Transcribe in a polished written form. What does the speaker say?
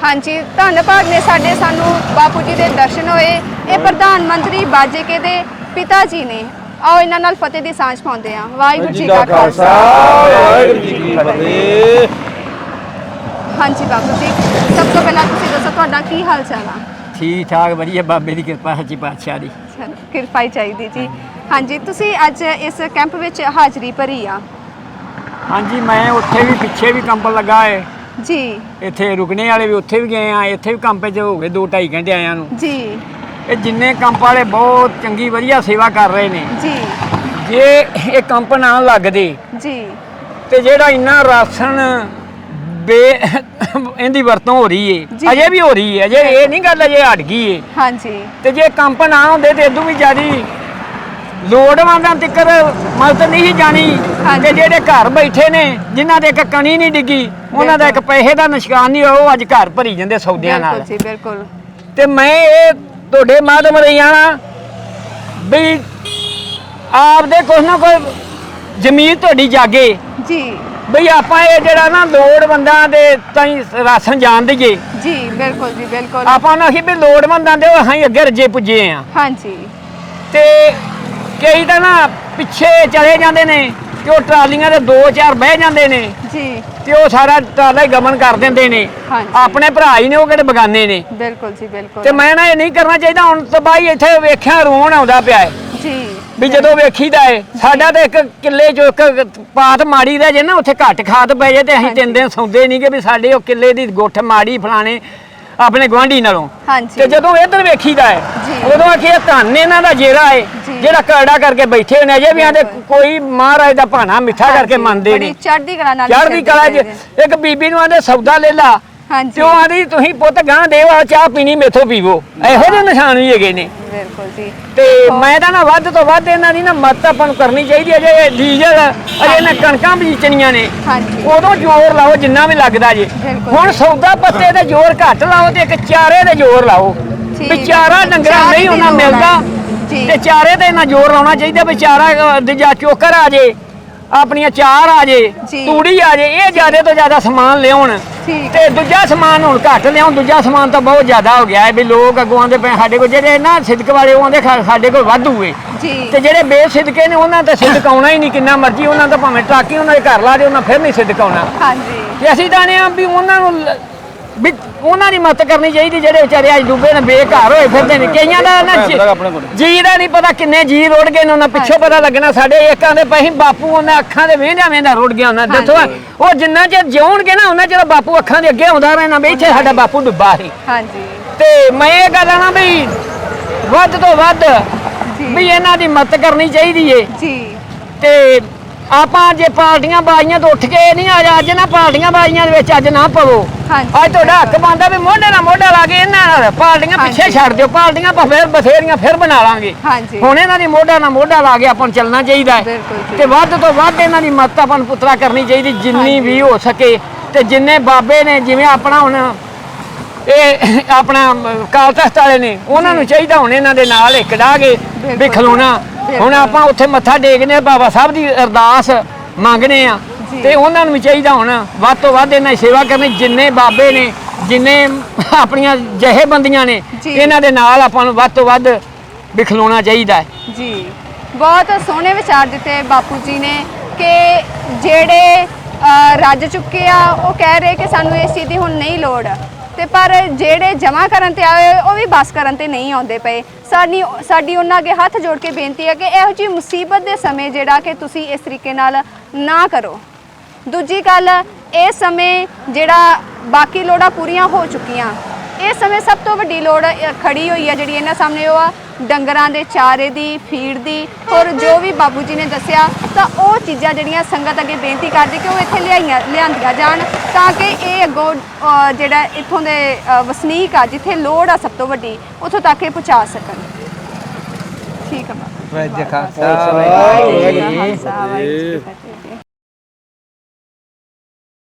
हाँ जी, धन्नवाद ने सानू बापू जी के दर्शन होए। ये प्रधानमंत्री बाजेके दे पिता जी ने। आओ इन्हां नाल फतेह दी सांझ पाउंदे हां। वाहिगुरू जी का खालसा, वाहिगुरू जी की फतेह। हाँ जी बापू जी, सब तो पहला तुसीं दसो तुहाडा की हाल चाल आ? ठीक ठाक वधिया, बाबे की कृपा सच्ची पातशाह दी। चलो किरपा ही चाहिदी जी। हाँ जी, तुसीं अज इस कैंप विच हाज़री भरी आ? हाँ जी, मैं उत्थे भी पिछे भी कैंप लगा है जी। इत्थे रुकने वाले भी उत्थे भी गए हैं, इत्थे भी कैंप च हो गए 2-2.5 घंटे आया नूं। जी। ये जिन्ने कैंप वाले बहुत चंगी वधिया सेवा कर रहे ने। जी। जे ये कैंप ना लगदे जी ते जेड़ा इन्ना राशन बे इहदी वरतों हो रही है, अजे भी हो रही है, अजे ये नहीं गल अजे हट गई है। हाँ जी। ते जे कैंप ना होंदे ते इदों भी ज़्यादा लोड़वंदां तक मदद नहीं जानी। ते जेड़े घर बैठे ने जिन्हां दे इक कणी नहीं डिगी, उन्हां दा इक पैसे दा निशान नहीं, वो अज घर भरी जांदे सौदियां नाल। बिल्कुल जी बिल्कुल। ते मैं ये तुहाडे माध्यम राहीं आना भी आपदे कुछ ना कुछ जमीन तुहाडी जागे जी। बई आपां ये जेड़ा ना लोड़वंदां दे ताईं राशन जान दईए। जी बिल्कुल जी बिल्कुल। आपां ना भी लोड़वंदां दे असीं अगे रजे पुजे आ। हाँ जी। ते कई तो ना पिछे चले जाते हैं कि वो ट्रालियां दे 2-4 बह जाते हैं जी। ते वो सारा ट्राला ही गमन कर देंगे ने। हाँ अपने भरा ही ने, वो किहड़े बगाने ने। बिल्कुल जी बिल्कुल। ते मैं ना ये नहीं करना चाहिए। हुण तो भाई इत्थे वेख्या रोन आउंदा पिया है जी भी जदों वेखीदा है साडा ते एक किले चो एक पात माड़ी रह जे ना, उत्थे घट खाद पै जाए ते असीं 3 दिन सौंदे नहीं कि भी साडे वो किले दी गुੱਠ माड़ी फलाने अपने गुआंढी नालों। हाँ जी। ते जदों इधर वेखीदा है उदों आखिए धन इन्हां दा जेरा है जेड़ा करड़ा करके बैठे होने, अजे भी आंदे कोई महाराज दा भाना मिठा करके मनदे ने। चढ़दी कला नाल चढ़दी कला च एक बीबी नूं आंदे सौदा ले ला। हाँ ते ओह आंदी तुसीं पुੱਤ गां देव आ चाह पीनी मेथों पीवो। ਇਹੋ ਜਿਹੇ ਨਿਸ਼ਾਨ ਵੀ ਹੈਗੇ ਨੇ। बिल्कुल जी। ਤੇ ਮੈਂ ਤਾਂ ਨਾ ਵੱਧ ਤੋਂ ਵੱਧ ਇਹਨਾਂ ਦੀ ਨਾ ਮਦਦ ਆਪਾਂ ਨੂੰ ਕਰਨੀ ਚਾਹੀਦੀ ਹੈ। ਜੇ ਡੀਜ਼ਲ ਅਜੇ ਨਾ ਕਣਕਾਂ ਬੀਜਣੀਆਂ ਨੇ ਉਦੋਂ ਜ਼ੋਰ ਲਾਓ ਜਿੰਨਾ ਵੀ ਲੱਗਦਾ ਜੇ। ਹੁਣ ਸੌਦਾ ਪੱਤੇ ਤੇ ਜ਼ੋਰ ਘੱਟ ਲਾਓ ਤੇ ਇੱਕ ਚਾਰੇ ਤੇ ਜ਼ੋਰ ਲਾਓ ਵੀ ਚਾਰਾ ਡੰਗਰਾਂ ਨਹੀਂ ਉਹਨਾਂ ਮਿਲਦਾ ਤੇ ਚਾਰੇ ਤੇ ਇਹਨਾਂ ਜ਼ੋਰ ਲਾਉਣਾ ਚਾਹੀਦਾ ਵੀ ਚਾਰਾ ਦੂਜਾ ਚੋਕਰ ਆ ਜੇ, ਆਪਣੀਆਂ ਚਾਰ ਆ ਜੇ, ਤੂੜੀ ਆ ਜੇ, ਇਹ ਜ਼ਿਆਦਾ ਤੋਂ ਜ਼ਿਆਦਾ ਸਮਾਨ ਲਿਆਉਣ ਤੇ ਦੂਜਾ ਸਮਾਨ ਹੁਣ ਘੱਟ ਲਿਆਉਣ। ਦੂਜਾ ਸਮਾਨ ਤਾਂ ਬਹੁਤ ਜ਼ਿਆਦਾ ਹੋ ਗਿਆ ਹੈ ਵੀ ਲੋਕ ਅੱਗੋਂ ਆਉਂਦੇ ਪਏ ਸਾਡੇ ਕੋਲ ਜਿਹੜੇ ਨਾ ਸਿਦਕ ਵਾਲੇ ਉਹ ਆਉਂਦੇ ਸਾਡੇ ਕੋਲ ਵਾਧੂ ਏ ਤੇ ਜਿਹੜੇ ਬੇਸਿਦਕੇ ਨੇ ਉਹਨਾਂ ਤੇ ਸਿਦਕ ਆਉਣਾ ਹੀ ਨਹੀਂ। ਕਿੰਨਾ ਮਰਜ਼ੀ ਉਹਨਾਂ ਦਾ ਭਾਵੇਂ ਟਰਾਕੀ ਉਹਨਾਂ ਦੇ ਘਰ ਲਾ ਦੇ, ਉਹਨਾਂ ਫਿਰ ਨਹੀਂ ਸਿਦਕ ਆਉਣਾ। ਤੇ ਅਸੀਂ ਤਾਂ ਨੇ ਆ ਵੀ ਉਹਨਾਂ ਨੂੰ ਵੀ ਉਹਨਾਂ ਦੀ ਮਦਦ ਕਰਨੀ ਚਾਹੀਦੀ ਜਿਹੜੇ ਵਿਚਾਰੇ ਅੱਜ ਡੁੱਬੇ ਨੇ, ਬੇਘਰ ਹੋਏ ਫਿਰਦੇ ਨੇ। ਕਈਆਂ ਦਾ ਨਾ ਜੀ ਦਾ ਨਹੀਂ ਪਤਾ ਕਿੰਨੇ ਜੀ ਰੁੜ ਗਏ ਨੇ, ਉਹਨਾਂ ਪਿੱਛੋਂ ਪਤਾ ਲੱਗਣਾ। ਸਾਡੇ ਏਕਾਂ ਦੇ ਪਹੀਂ ਬਾਪੂ ਉਹਨਾਂ ਅੱਖਾਂ ਦੇ ਵੇਂਦਿਆਂ ਰੁੜ ਗਿਆ ਉਹਨਾਂ। ਦੱਸੋ ਉਹ ਜਿੰਨਾ ਚਿਰ ਜਿਉਣਗੇ ਨਾ ਉਹਨਾਂ ਚਿਰ ਬਾਪੂ ਅੱਖਾਂ ਦੇ ਅੱਗੇ ਆਉਂਦਾ ਰਹਿਣਾ ਵੀ ਇੱਥੇ ਸਾਡਾ ਬਾਪੂ ਡੁੱਬਾ ਸੀ। ਤੇ ਮੈਂ ਇਹ ਗੱਲ ਆਣਾ ਵੀ ਵੱਧ ਤੋਂ ਵੱਧ ਵੀ ਇਹਨਾਂ ਦੀ ਮਦਦ ਕਰਨੀ ਚਾਹੀਦੀ ਏ। ਤੇ ਆਪਾਂ ਜੇ ਪਾਰਟੀਆਂ ਬਾਜ਼ੀਆਂ ਤੋਂ ਉੱਠ ਕੇ ਨਹੀਂ ਅੱਜ ਨਾ ਪਾਰਟੀਆਂ ਬਾਜ਼ੀਆਂ ਦੇ ਵਿੱਚ ਅੱਜ ਨਾ ਪਵੋ। ਅੱਜ ਤੁਹਾਡਾ ਹੱਕ ਬਣਦਾ ਵੀ ਮੋਢੇ ਨਾਲ ਮੋਢਾ ਲਾ ਕੇ ਇਹਨਾਂ ਨਾਲ ਪਾਰਟੀਆਂ ਪਿੱਛੇ ਛੱਡ ਦਿਓ। ਪਾਰਟੀਆਂ ਆਪਾਂ ਫਿਰ ਬਥੇਰੀਆਂ ਫਿਰ ਬਣਾ ਲਾਂਗੇ। ਹੁਣ ਇਹਨਾਂ ਦੀ ਮੋਢਾ ਨਾਲ ਮੋਢਾ ਲਾ ਕੇ ਆਪਾਂ ਨੂੰ ਚੱਲਣਾ ਚਾਹੀਦਾ ਹੈ ਤੇ ਵੱਧ ਤੋਂ ਵੱਧ ਇਹਨਾਂ ਦੀ ਮਦਦ ਆਪਾਂ ਨੂੰ ਪੁੱਤਰਾ ਕਰਨੀ ਚਾਹੀਦੀ ਜਿੰਨੀ ਵੀ ਹੋ ਸਕੇ। ਤੇ ਜਿੰਨੇ ਬਾਬੇ ਨੇ ਜਿਵੇਂ ਆਪਣਾ ਹੁਣ ਇਹ ਆਪਣਾ ਅਕਾਲ ਤਖ਼ਤ ਵਾਲੇ ਨੇ ਉਹਨਾਂ ਨੂੰ ਚਾਹੀਦਾ ਹੁਣ ਇਹਨਾਂ ਦੇ ਨਾਲ ਇੱਕ ਡਾਹ ਕੇ ਵੀ ਖਲੋਣਾ। ਹੁਣ ਆਪਾਂ ਉੱਥੇ ਮੱਥਾ ਟੇਕਦੇ ਬਾਬਾ ਸਾਹਿਬ ਦੀ ਅਰਦਾਸ ਮੰਗਦੇ ਆ ਤੇ ਉਹਨਾਂ ਨੂੰ ਵੀ ਚਾਹੀਦਾ ਹੁਣ ਵੱਧ ਤੋਂ ਵੱਧ ਇਹਨਾਂ ਦੀ ਸੇਵਾ ਕਰਨੀ। ਜਿੰਨੇ ਬਾਬੇ ਨੇ ਜਿੰਨੇ ਆਪਣੀਆਂ ਜਥੇਬੰਦੀਆਂ ਨੇ ਇਹਨਾਂ ਦੇ ਨਾਲ ਆਪਾਂ ਨੂੰ ਵੱਧ ਤੋਂ ਵੱਧ ਵੀ ਖਲੋਣਾ ਚਾਹੀਦਾ ਹੈ ਜੀ। ਬਹੁਤ ਸੋਹਣੇ ਵਿਚਾਰ ਦਿੱਤੇ ਬਾਪੂ ਜੀ ਨੇ ਕਿ ਜਿਹੜੇ ਰੱਜ ਚੁੱਕੇ ਆ ਉਹ ਕਹਿ ਰਹੇ ਕਿ ਸਾਨੂੰ ਇਸ ਚੀਜ਼ ਦੀ ਹੁਣ ਨਹੀਂ ਲੋੜ ਤੇ ਪਰ ਜਿਹੜੇ ਜਮ੍ਹਾਂ ਕਰਨ ਤੇ ਆਏ ਉਹ ਵੀ ਬਸ ਕਰਨ ਤੇ ਨਹੀਂ ਆਉਂਦੇ ਪਏ। ਸਾਡੀ ਉਹਨਾਂ ਅੱਗੇ ਹੱਥ ਜੋੜ ਕੇ ਬੇਨਤੀ ਹੈ ਕਿ ਇਹੋ ਜਿਹੀ ਮੁਸੀਬਤ ਦੇ ਸਮੇਂ ਜਿਹੜਾ ਕਿ ਤੁਸੀਂ ਇਸ ਤਰੀਕੇ ਨਾਲ ਨਾ ਕਰੋ। ਦੂਜੀ ਗੱਲ, ਇਸ ਸਮੇਂ ਜਿਹੜਾ ਬਾਕੀ ਲੋੜਾਂ ਪੂਰੀਆਂ ਹੋ ਚੁੱਕੀਆਂ, ਇਸ ਸਮੇਂ ਸਭ ਤੋਂ ਵੱਡੀ ਲੋੜ ਖੜੀ ਹੋਈ ਹੈ ਜਿਹੜੀ ਇਹਨਾਂ ਸਾਹਮਣੇ ਉਹ ਆ ਡੰਗਰਾਂ ਦੇ ਚਾਰੇ ਦੀ, ਫੀਡ ਦੀ। ਹੋਰ ਜੋ ਵੀ ਬਾਬੂ ਜੀ ਨੇ ਦੱਸਿਆ ਤਾਂ ਉਹ ਚੀਜ਼ਾਂ ਜਿਹੜੀਆਂ ਸੰਗਤ ਅੱਗੇ ਬੇਨਤੀ ਕਰਦੀ ਕਿ ਉਹ ਇੱਥੇ ਲਿਆਂਦੀਆਂ ਜਾਣ ਤਾਂ ਕਿ ਇਹ ਅੱਗੋਂ ਜਿਹੜਾ ਇੱਥੋਂ ਦੇ ਵਸਨੀਕ ਆ ਜਿੱਥੇ ਲੋੜ ਆ ਸਭ ਤੋਂ ਵੱਡੀ ਉੱਥੋਂ ਤੱਕ ਇਹ ਪਹੁੰਚਾ ਸਕਣ। ਠੀਕ ਆ ਬਾਬਾ।